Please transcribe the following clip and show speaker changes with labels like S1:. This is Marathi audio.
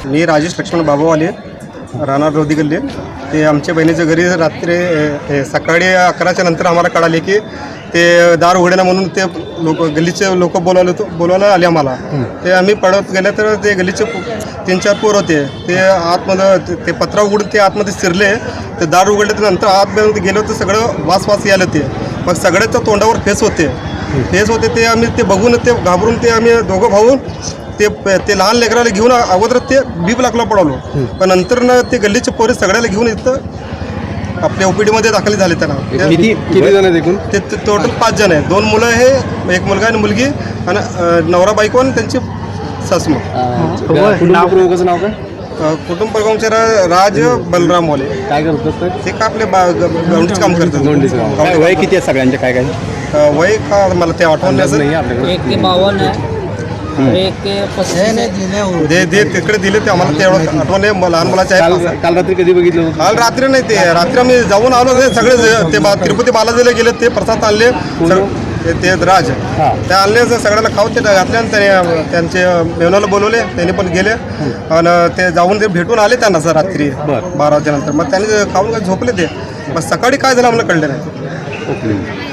S1: मी राजेश लक्ष्मण बाबावाले राहणार रोधी गल्ली. ते आमच्या बहिणीच्या घरी रात्री सकाळी 11च्या नंतर आम्हाला कळाले की ते दार उघडणं म्हणून ते गल्लीचे लोक बोलवायला आले आम्हाला. ते आम्ही पळत गेले तर ते गल्लीचे 3-4 पोर होते. ते आतमध्ये ते पत्रा उघडून ते आतमध्ये शिरले. ते दार उघडले तर नंतर आतमध्ये गेलो तर सगळं वास यायला ते. मग सगळ्याच्या तोंडावर फेस होते. ते आम्ही ते बघून ते घाबरून ते आम्ही दोघं भाऊन ते लहान लेकराला घेऊन अगोदर ते बीप लागला पडालो. पण नंतर ते गल्लीचे पोरे सगळ्याला घेऊन इथं आपल्या ओपीडीमध्ये दाखल झाले. त्यांना
S2: किती जण आहेत एकूण?
S1: ते टोटल 5 जण आहेत. 2 मुलं आहे, एक मुलगा आणि मुलगी आणि नवरा बायको आणि त्यांची सासू.
S2: कुटुंबाचं नाव काय?
S1: कुटुंब प्रमुख राज बलराम मोले.
S2: काय करतात
S1: ते का आपले गवंडीचं काम करतात.
S2: वय किती आहे सगळ्यांचे? काय
S1: वय का मला ते आठवण
S2: नाही आपल्याकडे.
S3: 1 ते 52 आहे, 1 ते 35
S1: दे तिकडे दिले ते आम्हाला ते एवढं आठवण आहे. लहान मुलाचे आहे.
S2: काल रात्री कधी बघितलं होतं?
S1: काल रात्री नाही, ते रात्री आम्ही जाऊन आलो. ते सगळे ते तिरुपती बालाजीला गेले. ते प्रसाद आणले ते राज ते आणले. सगळ्याला खाऊ ते घातले आणि त्याने त्यांचे मेवनाला बोलवले. त्यांनी पण गेले आणि ते जाऊन ते भेटून आले त्यांना सर रात्री 12 वाजल्यानंतर. मग त्यांनी खाऊन झोपले. ते मग सकाळी काय झालं आम्हाला कळलं नाही.